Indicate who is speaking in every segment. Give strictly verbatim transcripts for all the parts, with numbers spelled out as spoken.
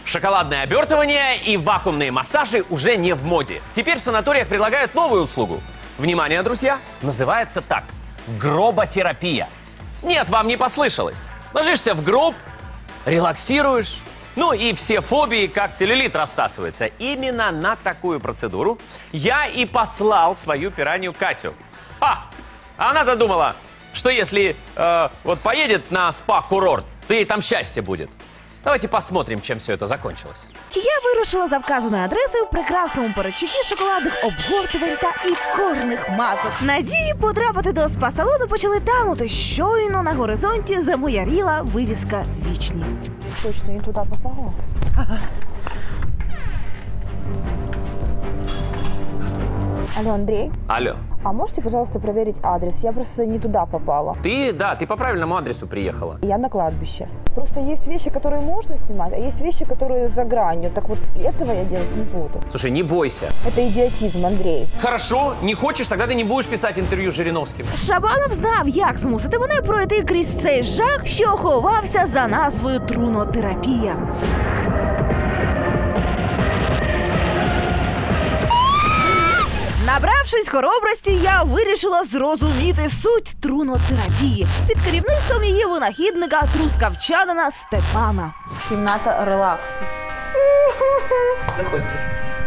Speaker 1: Шоколадное обертывание и вакуумные массажи уже не в моде. Теперь в санаториях предлагают новую услугу. Внимание, друзья, называется так – гроботерапия. Нет, вам не послышалось. Ложишься в гроб, релаксируешь, ну и все фобии, как целлюлит, рассасываются. Именно на такую процедуру я и послал свою пиранью Катю. А, она-то думала, что если э, вот поедет на спа-курорт, то ей там счастье будет. Давайте посмотрим, чем все это закончилось.
Speaker 2: Я вирушила за вказаною адресою в прекрасному передчутті шоколадних обгортувань та і кожних масок. Надії потрапити до спа-салону почали танути. Щойно на горизонті замояріла вивіска «Вічність». Точно не туди попала? Ага. Алло, Андрей?
Speaker 1: Алло.
Speaker 2: А можете, пожалуйста, проверить адрес? Я просто не туда попала.
Speaker 1: Ты, да, ты по правильному адресу приехала.
Speaker 2: Я на кладбище. Просто есть вещи, которые можно снимать, а есть вещи, которые за гранью. Так вот, этого я делать не буду.
Speaker 1: Слушай, не бойся.
Speaker 2: Это идиотизм, Андрей.
Speaker 1: Хорошо, не хочешь, тогда ты не будешь писать интервью с Жириновским.
Speaker 2: Шабанов знав, як змусити мене пройти крізь цей жах, що ховався за назвою трунотерапія. Набравшись хоробрості, я вирішила зрозуміти суть трунотерапії під керівництвом її винахідника трускавчанина Степана.
Speaker 3: Кімната релаксу.
Speaker 4: Заходьте.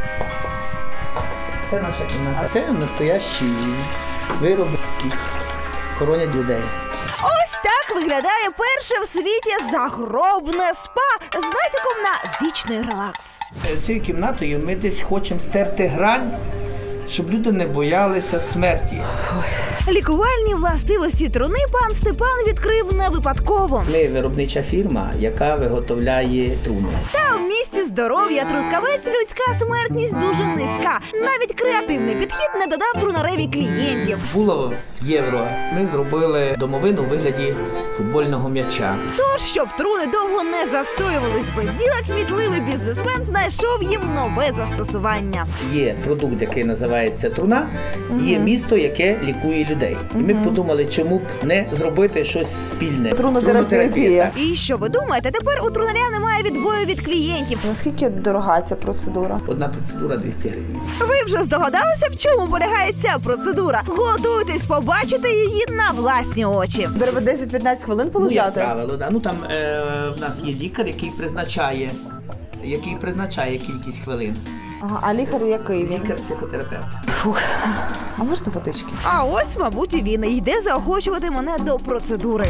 Speaker 4: Це наша кімната. А це настоящі вироби, які хоронять людей.
Speaker 2: Ось так виглядає перше в світі загробне спа з натяком на вічний релакс.
Speaker 4: Цією кімнатою ми десь хочемо стерти грань, щоб люди не боялися смерті.
Speaker 2: Лікувальні властивості труни пан Степан відкрив не випадково.
Speaker 4: Ми виробнича фірма, яка виготовляє труни.
Speaker 2: Та в місті здоров'я Трускавець людська смертність дуже низька. Навіть креативний підхід не додав трунареві клієнтів.
Speaker 4: Було євро. Ми зробили домовину у вигляді футбольного м'яча.
Speaker 2: Тож, щоб труни довго не застоювались без діла, кмітливий бізнесмен знайшов їм нове застосування.
Speaker 4: Є продукт, який називається труна, угу. Є місто, яке лікує людей. І ми угу. подумали, чому б не зробити щось спільне.
Speaker 3: Трунотерапія.
Speaker 2: І що ви думаєте, тепер у трунаря немає відбою від клієнтів.
Speaker 3: Наскільки дорога ця процедура?
Speaker 4: Одна процедура двісті гривень.
Speaker 2: Ви вже здогадалися, в чому полягає ця процедура? Готуйтесь побачити її на власні очі.
Speaker 3: Треба десять-п'ятнадцять хвилин полежати?
Speaker 4: Ну, як правило, да. Ну, там е, в нас є лікар, який призначає, який призначає кількість хвилин.
Speaker 3: Ага, а лікар який він?
Speaker 4: Лікар-психотерапевт.
Speaker 3: Фух. А можна водички?
Speaker 2: А ось, мабуть, і він йде заохочувати мене до процедури.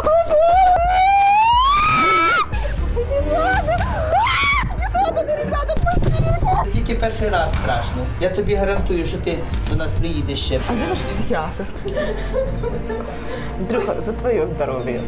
Speaker 4: Тільки перший раз страшно. Я тобі гарантую, що ти до нас приїдеш ще.
Speaker 3: А де ваш психіатр? Друга, за твоє здоров'я.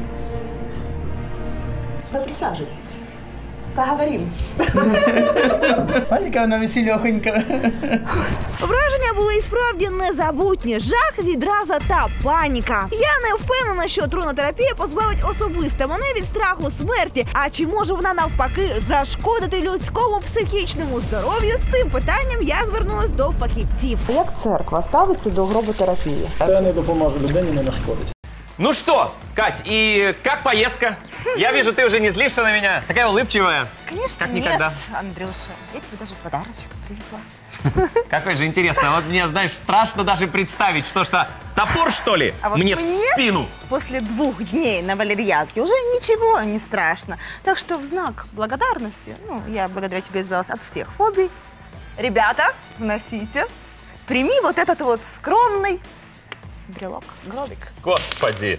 Speaker 3: Ви присаджуйтесь. Поговорим.
Speaker 4: Бачиш, яка вона весельохонька.
Speaker 2: Враження були і справді незабутні. Жах, відраза та паніка. Я не впевнена, що трунотерапія позбавить особисто мене від страху смерті. А чи може вона навпаки зашкодити людському психічному здоров'ю? З цим питанням я звернулась до фахівців.
Speaker 3: Як церква ставиться до гроботерапії?
Speaker 5: Це не допоможе людині, не нашкодить.
Speaker 1: Ну что, Кать, и как поездка? Я вижу, ты уже не злишься на меня. Такая улыбчивая.
Speaker 6: Конечно,
Speaker 1: как
Speaker 6: нет,
Speaker 1: никогда.
Speaker 6: Андрюша. Я тебе даже подарочек привезла.
Speaker 1: Какой же интересно. Вот мне, знаешь, страшно даже представить, что что, топор, что ли,
Speaker 6: а вот
Speaker 1: мне в спину?
Speaker 6: После двух дней на валерьянке уже ничего не страшно. Так что в знак благодарности, ну, я благодаря тебе избавилась от всех фобий. Ребята, вносите. Прими вот этот вот скромный брелок, гробик.
Speaker 1: Господи.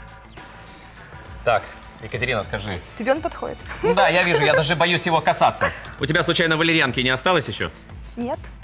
Speaker 1: Так, Екатерина, скажи.
Speaker 6: Тебе он подходит?
Speaker 1: Ну да, я вижу, я даже боюсь его касаться. У тебя случайно валерьянки не осталось еще?
Speaker 6: Нет.